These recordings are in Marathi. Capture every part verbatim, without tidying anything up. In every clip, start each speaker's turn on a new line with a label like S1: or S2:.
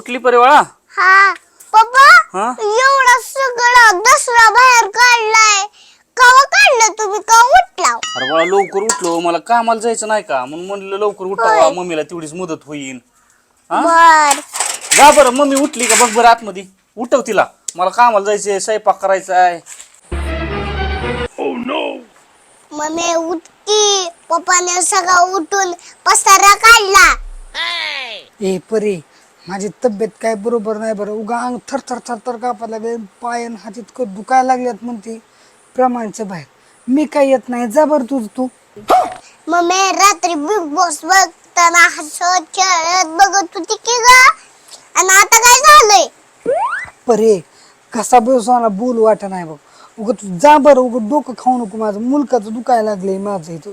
S1: उठली परिवाळा?
S2: हा पप्पा,
S1: हा
S2: एवढा सगळा दसरा बाहेर काढलाय. कवा काढलं तुम्ही? का उठला?
S1: अरे बाळा लवकर उठलो, मला कामाला जायचं नाही का म्हणून म्हणलं लवकर उठावा, मम्मीला तेवढीच मदत होईल. हा
S2: बर
S1: जा बरं, मम्मी उठली का बघ बरं आतमध्ये. उठव तिला, मला कामाला जायचंय, स्वयंपाक करायचा आहे.
S2: मम्मी उठकी. पप्पाने सगळा उठून पसारा काढला.
S3: ए परे, माझी तब्येत काय बरोबर नाही बरं. उगा अंग थर थर थर थर कापायला लागले, पाय आणि हात इतकं दुखायला लागल्यात म्हणते प्रमाणच्या बाहेर. मी काय येत नाही, जा बरं तुझ तू.
S2: मम्मी रात्री बिग बॉस बघताना हसत खेळत बघत होती की ग, आणि आता काय झालंय?
S3: परे कसा बसवाना बोल वाट नाही बघ. उग तू जा बरं, उग डोकं खाऊ नको माझं. मुलकाचं दुखायला लागलंय माझं इथं.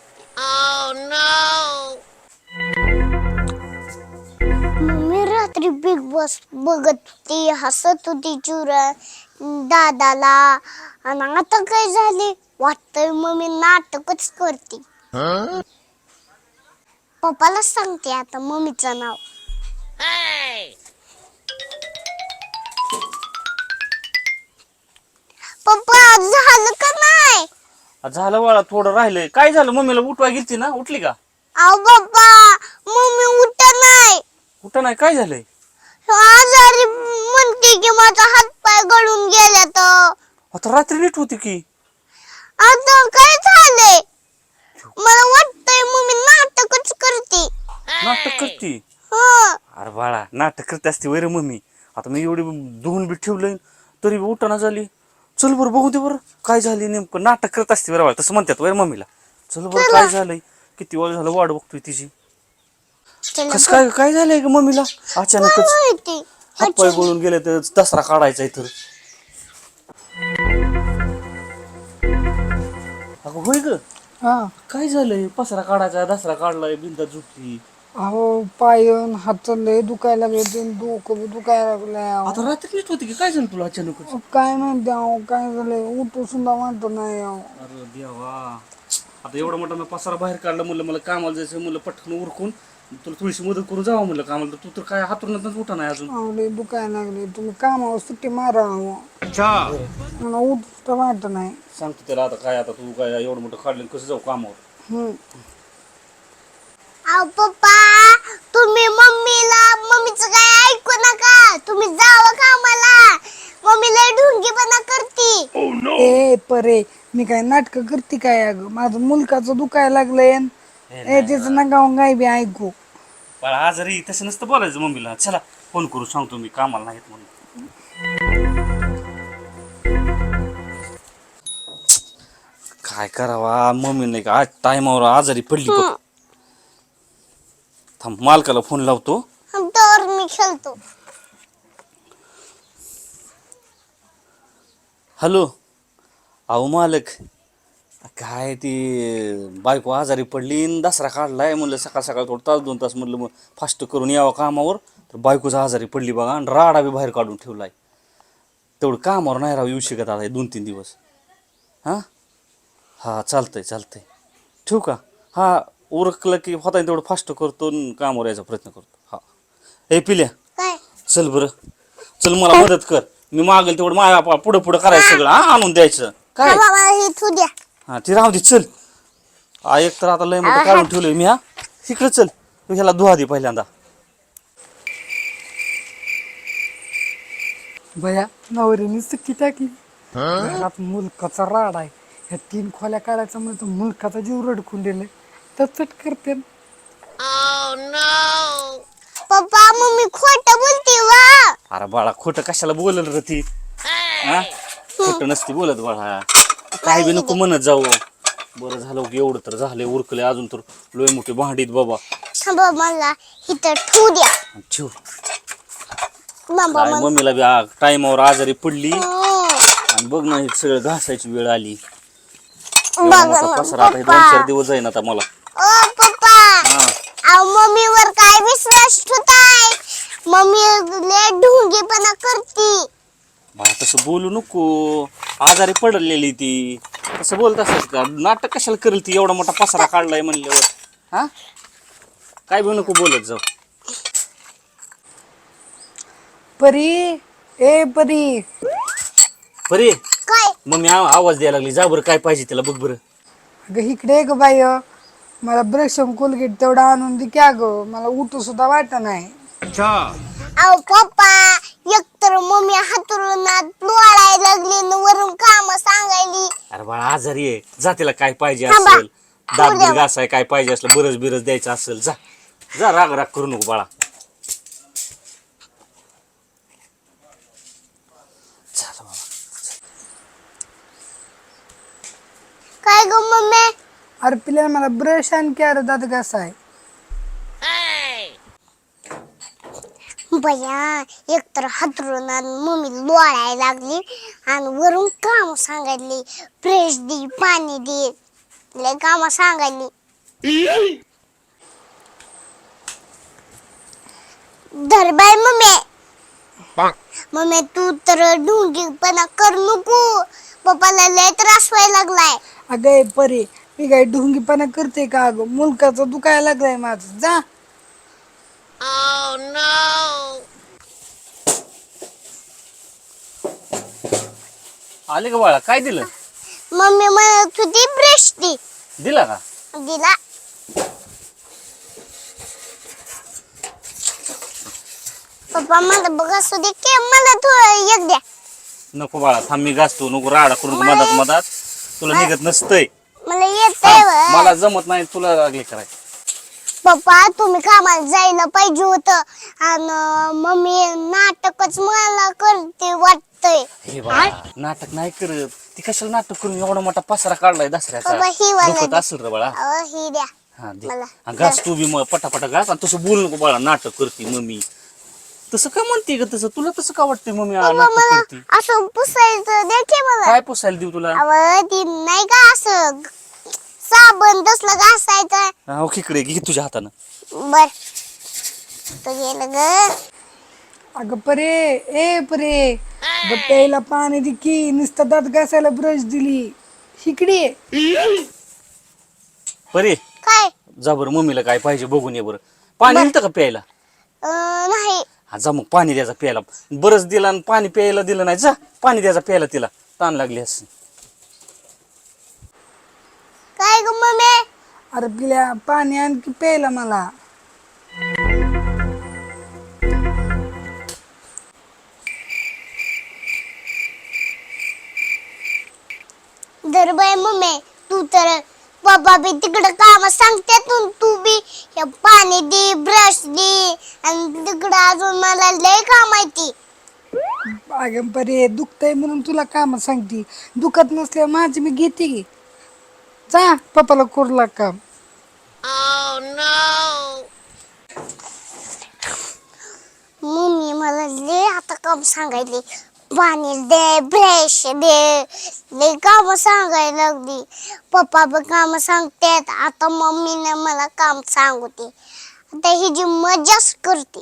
S2: मम्मी रात्री बिग बॉस बघत होती, हसत होती चुरा दादाला, आणि आता काय झाले? वाटतंय मम्मी नाटकच करते. पप्पाला सांगते आता मम्मीचं नाव. पप्पा झालं का नाही?
S1: झालं बाळा, थोडं राहिलंय. काय झालं? मम्मीला उठवा गेलती ना, उठली का?
S2: अहो पप्पा, मम्मी उठ नाही.
S1: कुठं नाही, काय झालंय?
S2: आजारी म्हणते की माझा हात पाय गळून गेला. तर
S1: आता रात्री नीट होती की.
S2: आता काय झालंय? मला वाटतंय मम्मी नाटकच करते.
S1: नाटक करती?
S2: हं.
S1: अरे बाळा, नाटक करते असते वैर मम्मी. आता मी एवढी धुवून बी ठेवलंय तरी उठाना झाली. चल बरं बघू दे बरं काय झाली नेमकं. नाटक करत असते बरं बाळा, तसं म्हणतात वैर मम्मीला. चल बरं काय झालंय, किती वेळ झालं वाट बघतोय तिची.
S2: चला
S1: कस काय काय झालंय ग मम्मीला अचानकच?
S2: माहिती.
S1: हातपाय गळून गेले तर दसरा काढायचा तर. अगं होय ग,
S3: हा
S1: काय झालंय? पसरा काढायचा, दसरा काढलाय, बिंदा झुटली.
S3: अहो पाय अन हात लय दुखायला लागले, ते डोकं बी दुखायला लागलंय.
S1: आता रात्री नीट होती की, काय झालं तुला अचानकच?
S3: अहो, काय म्हणते अहो, काय झालंय उठू सुद्धा म्हणतो नाही अहो.
S1: अरे देवा, आता एवढा मोठा मी पसारा बाहेर काढला, म्हणलं मला कामाला जायचं, म्हणलं पटकन उरकून तुला थोडीशी मदत करून जावं म्हणलं कामाला. तर तू तर काय हातूनच उठा नाही अजून.
S3: अहो लय दुखायला लागले, तुम्ही कामावर सुट्टी मारा अहो. मला उठ सुद्धा वाटत नाही.
S1: सांगतो त्याला आता काय, आता तू काय एवढं मोठं काढलं कसं जाऊ कामावर.
S3: हम्म.
S2: अहो पप्पा, तुम्ही मम्मीला मम्मीचं काय ऐकू नका. तुम्ही जावं कामाला. मम्मी लय ढुंगीपणा करती.
S3: ए परे, मी काय नाटक करते काय? अगं माझं मुलकाचं दुखायला लागलंय. ए त्याचं नका गाय बी ऐकू.
S1: बाळा आजारी तसं नसतं बोलायचं मम्मीला. चला फोन करू सांगतो मी कामाला नाहीत म्हणून. काय करावा, मम्मी नाही का आज टायमावर आजारी पडली बघ. थांब मालकाला फोन लावतो.
S2: तर मी खेळतो.
S1: हॅलो, अहो मालक, काय ती बायको आजारी पडली न दसरा काढलाय, म्हणलं सकाळ सकाळ थोडं तास दोन तास म्हणलं मग फास्ट करून यावं कामावर. तर बायकोच आजारी पडली बघा, आणि राडा बी बाहेर काढून ठेवलाय. तेवढं कामावर नाही राहू येऊ शकत आता दोन तीन दिवस. हां हां चालतंय चालतंय, ठेवू का? हां उरकलं की होता तेवढं फास्ट करतो न कामावर यायचा प्रयत्न करतो. हां ए पिल्या,
S2: काय?
S1: चल बरं, चल मला मदत कर. मी मागेल तेवढं माझ्या पुढं पुढं करायचं सगळं. हा आणून द्यायचं काय.
S2: बाबा हे तू द्या.
S1: हा ती राहू दे, चल. हा एक तर आता लय मोठं काढून ठेवलंय मी. हा इकडे चल, तू ह्याला धुवा दे पहिल्यांदा.
S3: भया नवरीने सुट्टी टाकली. घरात मुलकाचा राड आहे. ह्या तीन खोल्या काढायचा म्हणजे मुलकाचा जीव रडकून दिले तर चट करते.
S2: पप्पा मम्मी खोटं बोलते वा.
S1: अरे बाळा खोटं कशाला बोलल रे ती? हा खोटं नसती बोलत बाळा, काय बी नको म्हणत जाऊ. बरं झालं की एवढं तर झालंय, उरकले अजून तर लोय मोठी भांडीत बाबा.
S2: बाबा मला इथं ठेवू द्या.
S1: ठेव.
S2: बाबा
S1: काय मम्मीला बी टायमावर आजारी पडली आणि बघ ना हे सगळं घासायची वेळ आली. एवढा मोठा पसरा आता हे दोन चार दिवस जाईन आता मला.
S2: ओ पप्पा, अहो मम्मीवर काय विश्वास ठेवताय? मम्मी लय ढुंगीपणा करती.
S1: बाळा तसं बोलू नको, आजारी पडलेली ती. तसं बोलत असत का? नाटक कशाला करेल ती? एवढा मोठा पसरा काढलाय म्हणल्यावर. हा काय बी नको बोलत जाऊ.
S3: परी ए परी
S1: परी
S2: काय
S1: मम्मी आ- आवाज द्यायला लागली, जा बरं काय पाहिजे तिला बघ बरं.
S3: अगं इकडे ग बाई, मला ब्रश कोलगेट तेवढा आणून दे क्या ग, मला उठू सुद्धा वाटत नाही.
S2: अहो पप्पा, एकतर मम्मी हातरुणात लोळायला लागली न वरून काम सांगायली.
S1: अरे बाळा आजारी आहे, जा तिला काय पाहिजे
S2: थांबा.
S1: असेल, दात
S2: उद्या.
S1: बीत घासाय काय पाहिजे असलं, बरच बिरच द्यायचं असेल, जा जा राग राग करू नको बाळा. चला बाबा.
S2: काय ग मम्मी?
S3: अरे पिल्या मला ब्रश आणखी अरे दात घासाय.
S2: बया, एकतर हातरुणात मम्मी लोळायला लागली आणि वरून काम सांगायली, फ्रेश दे, पाणी दे, लय काम सांगायली. धर बाय मम्मी. मम्मी तू तर ढुंगीपणा कर नको, पप्पाला लय त्रास व्हायला लागलाय.
S3: अगं ए परी, मी काय ढोंगीपणा करते का अगं, मुलकाचं दुखायला लागलाय माझं, जा.
S1: आले का बाळा, काय दिलं?
S2: मम्मी म्हणत होती ब्रश दे,
S1: दिला का?
S2: दिला. पप्पा मला बघ असू दे की, मला थोडं एक द्या.
S1: नको बाळा, थांब मी घासतो, नको राडा करून मधात मधात, तुला निघत नसतंय.
S2: मला येतंय व.
S1: मला जमत नाही, तुला लागले कराय.
S2: पप्पा तुम्ही कामाला जायला पाहिजे होतं आणि मम्मी नाटकच मला करते वाटतंय.
S1: हे बाळा, नाटक नाही करत ती, कशाला नाटक करून एवढा मोठा पसारा काढलाय दसऱ्याचा,
S2: बाबा, ही वाला
S1: दुखत
S2: दे.
S1: असेल रे बाळा.
S2: अहो ही द्या
S1: हा दे.
S2: मला.
S1: हा, घास तू बी मग पटापटा घास, आणि तसं बोलू नको बाळा, नाटक करते मम्मी. तसं काय म्हणते ग, तसं तुला तसं का वाटतंय मम्मी आ,
S2: पप्पा
S1: नाटक
S2: मला
S1: करते?
S2: असं पुसायचं द्या की मला.
S1: काय पुसायला देऊ तुला?
S2: अहो ती नाही का असं साबण तसलं घासायचं.
S1: हा खिकडे घे तुझ्या हातानं.
S2: बर तो गेलं ग.
S3: अगं परे ए परे, अगं प्यायला पाणी दे की, नुसतं दात घासायला ब्रश दिली, इकडे.
S1: बरे
S2: काय?
S1: जा बरं, मम्मीला काय पाहिजे बघून ये बरं. पाणी दिलं का प्यायला?
S2: अं, नाही.
S1: हा जा मग, पाणी द्यायचा प्यायला. बरंच दिला आणि पाणी प्यायला दिलं नाही, जा पाणी द्यायचा प्यायला, तिला ताण लागली असं.
S2: काय ग मम्मी?
S3: अरे पिल्या पाणी आणखी प्यायला मला.
S2: धर बाय मम्मी, तू तर पप्पा बी तिकडं काम सांगते, तू तू बी हे पाणी दे, ब्रश दे, आणि तिकडं अजून मला लय काम आहे ती.
S3: अगं परे, दुखतंय म्हणून तुला काम सांगते, दुखत नसल्या माझी मी घेते की, जा पप्पाला करू लाग काम.
S2: मम्मी मला लय आता काम सांगायली, पाणी दे, ब्रश दे, लय काम सांगायला लागली. पप्पा बी काम सांगतात, आता मम्मीने मला काम सांगते, आता ही जी मजाच करते.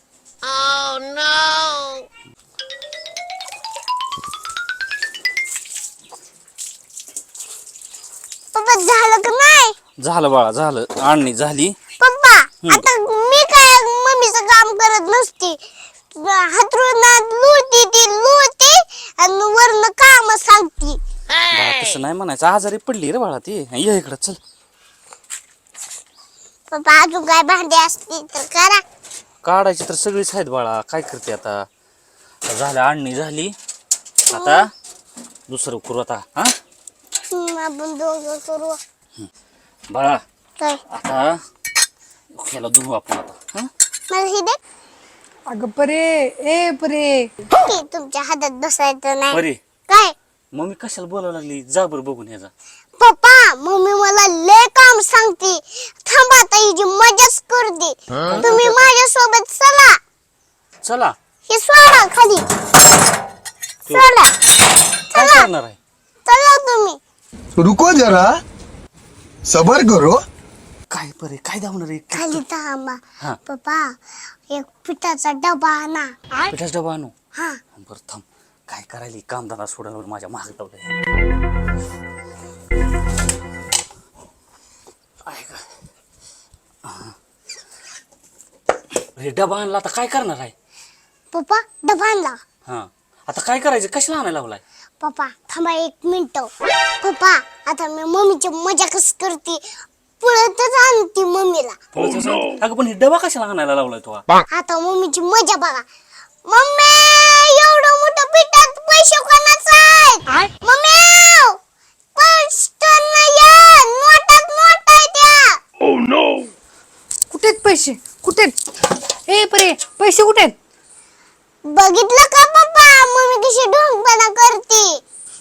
S2: पप्पा झालं का नाही?
S1: झालं बाळा, झालं, आणणी झाली.
S2: पप्पा आता मी काय मम्मीचं काम करत नसते, हातरुणात लुळती ती लुळती आणि वरनं काम सांगती.
S1: बाळा तसं नाही म्हणायचं, आजारी पडली रे बाळा ती. ये इकडं चल.
S2: पप्पा अजून काय भांडे असतील तर करा.
S1: काढायची तर सगळीच आहेत बाळा, काय करते आता. झालं, आणणी झाली, आता दुसरं करू आता. हा
S2: हम्म, आपण दोघं करू.
S1: बाळा
S2: काय
S1: आता ह्याला धुवू आपण आता. हा
S2: मला ही दे
S3: अगं परे ए परे,
S2: की तुमच्या हातात बसायचं नाही.
S1: बरे
S2: काय
S1: मम्मी कशाला बोलावं लागली, जा बरं बघून ह्याचा.
S2: पप्पा मम्मी मला लय काम सांगते, थांबा आता ही जी मजाच करते. तुम्ही माझ्या सोबत चला.
S1: चला.
S2: हे सोडा खाली, सोडा,
S1: काय करणार आहे?
S2: चला तुम्ही.
S4: रुको जरा, सबर करो.
S1: काय बरे काय धावणार आहे?
S2: खाली थांबा.
S1: हा.
S2: पप्पा एक पिठाचा डबा आणा.
S1: पिठाचा डबा आणू.
S2: हा
S1: बरं थांब, काय करायला कामधंदा सोडायला माझ्या महाग लावलंय. आहे का? हा. हे डबा आणला, आता काय करणार आहे?
S2: पप्पा डबा आणला.
S1: हा आता काय करायचं, कशाला आणायला लावलाय?
S2: पप्पा थांबा एक मिनिट. पप्पा आता मी मम्मीची मजा कस करते, पळतच आणते मम्मीला.
S1: तुला तसं- अगं पण हे डबा कशाला आणायला लावलाय तो?
S2: आता मम्मीची मजा बघा. मम्मी एवढं मोठं पिठात पैसे कोणाचं आहेत? मम्मी पटकन या, नोटात नोट आहे त्या.
S3: कुठे आहेत पैसे? कुठे आहेत? ए परे पैसे कुठे आहेत?
S2: बघितलं का पप्पा मम्मी कशी ढोंगपणा करते.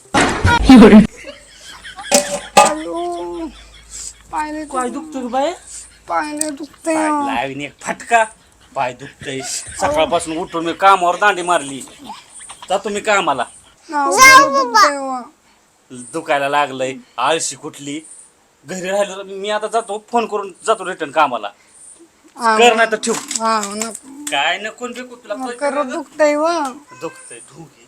S3: अयो, पायले
S1: काय दुखतोय बाय?
S3: पायले दुखतंय.
S1: लावीन एक फटका. पाय दुखतय सकाळपासून उठून मी कामावर दांडी मारली. जातो मी कामाला. दुखायला लागलंय, आळशी कुठली. घरी राहिलो तर मी आता जातो, फोन करून जातो रिटर्न कामाला. कर नाही तर ठेव.
S3: हा नको
S1: काय नको बिकू तुला
S3: करत दुखतंय व
S1: दुखतंय.